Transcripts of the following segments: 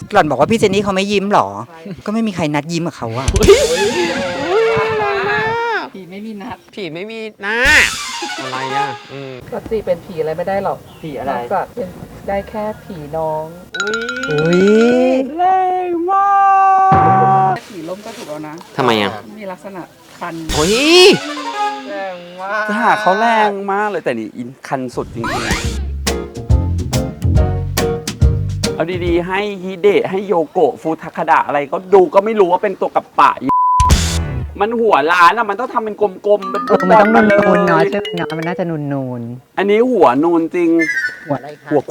หล่อนบอกว่าพี่เจนนี่เขาไม่ยิ้มหรอก็ไม่มีใครนัดยิ้มกับเขาอะผีไม่มีนัดผีไม่มีหน้าอะไรอ่ะก็จีเป็นผีอะไรไม่ได้หรอกผีอะไรก็เป็นได้แค่ผีน้องอุ้ยแรงมากผีล้มก็ถูกแล้วนะทำไมอ่ะมีลักษณะคันโอ้ยแรงมากจะหาเขาแรงมากเลยแต่นี่อินคันสุดจริงๆเอาดีๆให้ฮิเดะให้โยโกะฟูทาคาดะอะไรก็ดูก็ไม่รู้ว่าเป็นตัวกับปะมันหัวล้านอะมันต้องทำเป็นกลมๆเป็นมันต้องนูนๆเนาะใช่ไหมเนาะมันน่าจะนูนอันนี้หัวนูนจริงหัวอะไรคะหัว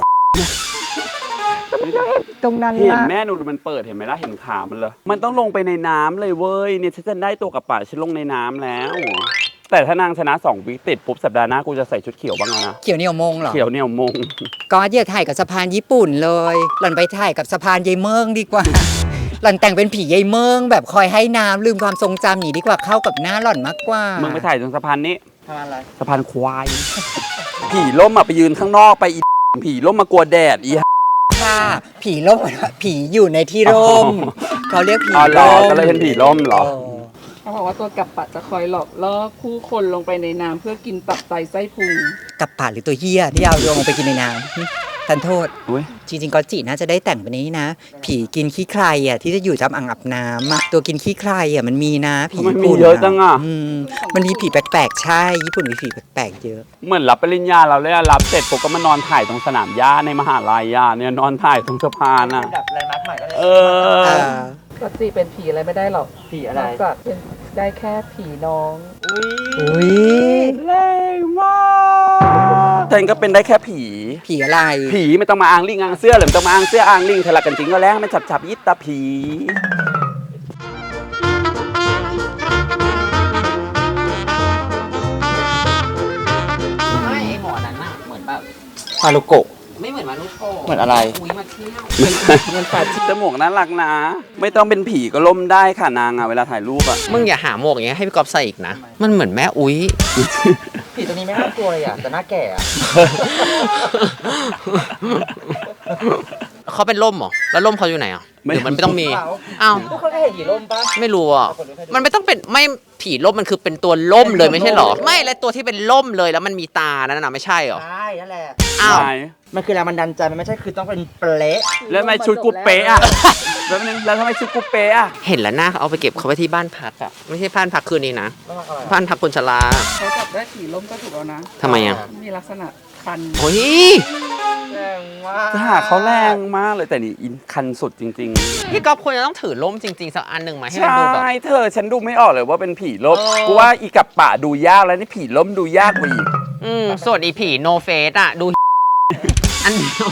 ตรงนั้นเห็นแม่นูนมันเปิดเห็นไหมล่ะเห็นขามันเลยมันต้องลงไปในน้ำเลยเว้ยเนี่ยฉันจะได้ตัวกับปะฉันลงในน้ำแล้วแต่ถ้านางชนะ2 วิติดปุ๊บสัปดาห์หน้ากูจะใส่ชุดเขียวบ้างนะเขียวเหนียวมงเหรอเขียวเหนียวมงก็อย่าถ่ายกับสะพานญี่ปุ่นเลยหล่อนไปถ่ายกับสะพานยายเมืองดีกว่าหล่อนแต่งเป็นผียายเมืองแบบคอยให้น้ำลืมความทรงจำหนีดีกว่าเข้ากับหน้าหล่อนมากกว่ามึงไปถ่ายตรงสะพานนี้สะพานอะไรสะพานควายผีล่มไปยืนข้างนอกไปอีผีล่มมากลัวแดดอีค่ะผีร่มผีอยู่ในที่ร่มเขาเรียกผีร่มก็เลยเป็นผีร่มเหรอเขาบอกว่าตัวกับปะจะคอยหลอกล่อผู้คนลงไปในน้ำเพื่อกินตับไตไส้พุงกับป่าหรือตัวเฮียที่เอาโยงลงไปกินในน้ำทันโทษจริงๆก็จีน่าจะได้แต่งแบบนี้นะผีกินขี้ใครอ่ะที่จะอยู่ตามอ่างอาบน้ำตัวกินขี้ใครอ่ะมันมีนะผีมันมีเยอะจังอ่ะมันมีผีแปลกๆใช่ญี่ปุ่นมีผีแปลกๆเยอะเหมือนรับปริญญาเราเลยรับเสร็จปุ๊บก็มานอนถ่ายตรงสนามหญ้าในมหาลัยเนี่ยนอนถ่ายตรงสะพานอ่ะดับแรงนักใหม่ก็เลยก็จีเป็นผีอะไรไม่ได้หรอกผีอะไรก็เป็นได้แค่ผีน้องอุ้ยแรงมากฉันก็เป็นได้แค่ผีอะไรผีไม่ต้องมาอ้างลิงอ้างเสื้อหรือไม่ต้องมาอ้างเสื้ออ้างลิงทะเลาะกันจริงก็แล้วไม่จับยิตตาผีไม่ไอหมอนั้นน่ะเหมือนแบบฮารุโกะไม่เหมือนมารุโกะเหมือนอะไรอุ้ยมาเที่ยวมันปัดจมูกน่ารักนะไม่ต้องเป็นผีก็ล่มได้ค่ะนางเวลาถ่ายรูปมึงอย่าหาหมวกอย่างเงี้ยให้พี่ก๊อฟใส่อีกนะมันเหมือนแม่อุ้ยผีตัวนี้ไม่น่ากลัวเลยแต่น่าแก่เขาเป็นร่มเหรอแล้วร่มเขาอยู่ไหนหรือมันไม่ต้องมีอ้าวเขาแค่เห็นผีร่มปะไม่รู้มันไม่ต้องเป็นไม่ผีร่มมันคือเป็นตัวร่มเลยไม่ใช่หรอไม่แล้วตัวที่เป็นร่มเลยแล้วมันมีตานั่นน่ะไม่ใช่หรอใช่นั่นแหละอ้าวมันคือแรงบันดาลใจมันไม่ใช่คือต้องเป็นเป๊ะแล้วทำไมชุดกูเป๊ะแล้วทำไมชุดกูเป๊ะเห็นแล้วนะเอาไปเก็บเขาไว้ที่บ้านพักไม่ใช่บ้านพักคืนนี้นะบ้านพักคนชราเขาจับได้ผีร่มก็ถูกแล้วนะทำไมมีลักษณะคันโอ้ยแรงมากจะหาเขาแรงมากเลยแต่นี่อินคันสุดจริงๆพี่ก๊อฟควรจะต้องถือร่มจริงๆสักอันหนึ่งมาให้มันดูแบบใช่เธอฉันดูไม่ออกเลยว่าเป็นผีร่มกูว่าอีกับป่าดูยากแล้วนี่ผีร่มดูยากกว่าอีกส่วนอีผีโนเฟสดูอันเดียว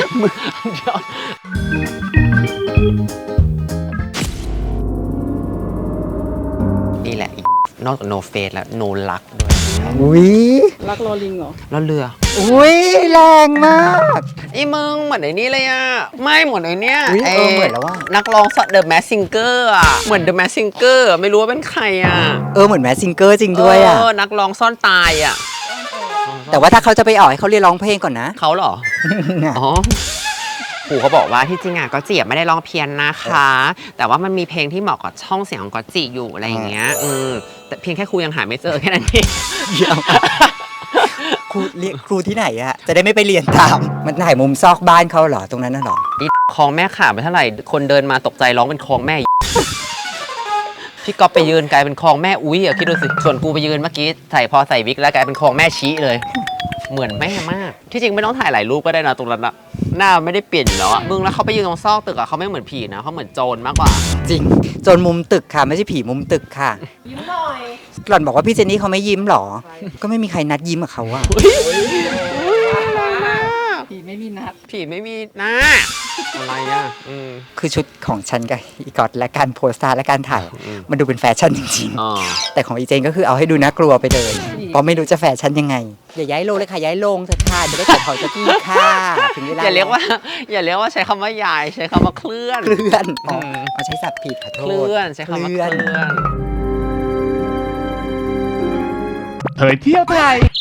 นี่แหละนอกจากโนเฟสแล้วโนลักด้วยอุ้ยลักลอลิงเหรอแล้วเรืออุ้ยแรงมากไอ้มึงเหมือนไอ้นี่เลยไม่เหมือนไอ้เนี้ยเหมือนแล้วว่านักร้องเดอะแมสซิงเกอร์เหมือนเดอะแมสซิงเกอร์ไม่รู้ว่าเป็นใครเหมือนแมสซิงเกอร์จริงด้วยนักร้องซ่อนตายแต่ว่าถ้าเขาจะไปออกให้เขาเรียนร้องเพลงก่อนนะเขาเหรออ๋อปู่เขาบอกว่าที่จริงก็จีไม่ได้ร้องเพี้ยนนะคะแต่ว่ามันมีเพลงที่เหมาะกับช่องเสียงของก็จีอยู่อะไรอย่างเงี้ยแต่เพียงแค่ครูยังหาไม่เจอแค่นั้นเองครูที่ไหนจะได้ไม่ไปเรียนตามมันถ่ายมุมซอกบ้านเขาเหรอตรงนั้นน่ะหรอคลองแม่ขาไปเท่าไหร่คนเดินมาตกใจร้องเป็นคลองแม่พี่ก๊อฟไปยืนกลายเป็นคลองแม่อุ้ยคิดดูสิส่วนกูไปยืนเมื่อกี้พอใส่วิกแล้วกลายเป็นคลองแม่ชี้เลยเหมือนแม่มากที่จริงไม่ต้องถ่ายหลายรูปก็ได้นะตรงนั้นหน้าไม่ได้เปลี่ยนอยู่แล้วมึงแล้วเขาไปยืนตรงซอกตึกเขาไม่เหมือนผีนะเขาเหมือนโจรมากกว่าจริงโจรมุมตึกค่ะไม่ใช่ผีมุมตึกค่ะยิ้มหน่อยหล่อนบอกว่าพี่เจนนี่เขาไม่ยิ้มหรอก็ไม่มีใครนัดยิ้มกับเขาผีไม่มีนัดผีไม่มีหน้าอะไรคือชุดของฉันกับอีกอดและการโพสต์และการถ่ายมันดูเป็นแฟชั่นจริงๆแต่ของอีเจนก็คือเอาให้ดูน่ากลัวไปเลยเพราะไม่รู้จะแฟชั่นยังไงอย่าย้ายโลงเลยค่ะย้ายโลงเถอะค่ะจะได้ตัดเขาจะกี้ค่ะถึงเวลาอย่าเรียกว่าใช้คำว่าย้ายใช้คำว่าเคลื่อนเอาใช้ศัพท์ผิดขอโทษเคลื่อนใช้คำว่าเคลื่อนเผยเที่ยวไทย